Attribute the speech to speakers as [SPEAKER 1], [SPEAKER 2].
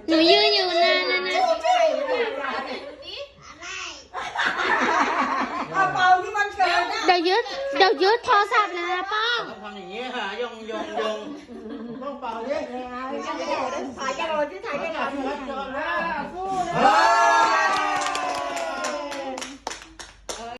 [SPEAKER 1] หนูยืนอยู่นานแล้วนะ
[SPEAKER 2] เอาเป่าที่มันเกิดนะ
[SPEAKER 1] เดี๋ยวยึดโทรศัพท์เลยนะป้อง
[SPEAKER 3] ทำอย่างนี้ค่ะยงต้องเป่าดิ
[SPEAKER 2] ถ่ายกันหน่อยที่ถ่ายกันหน่อย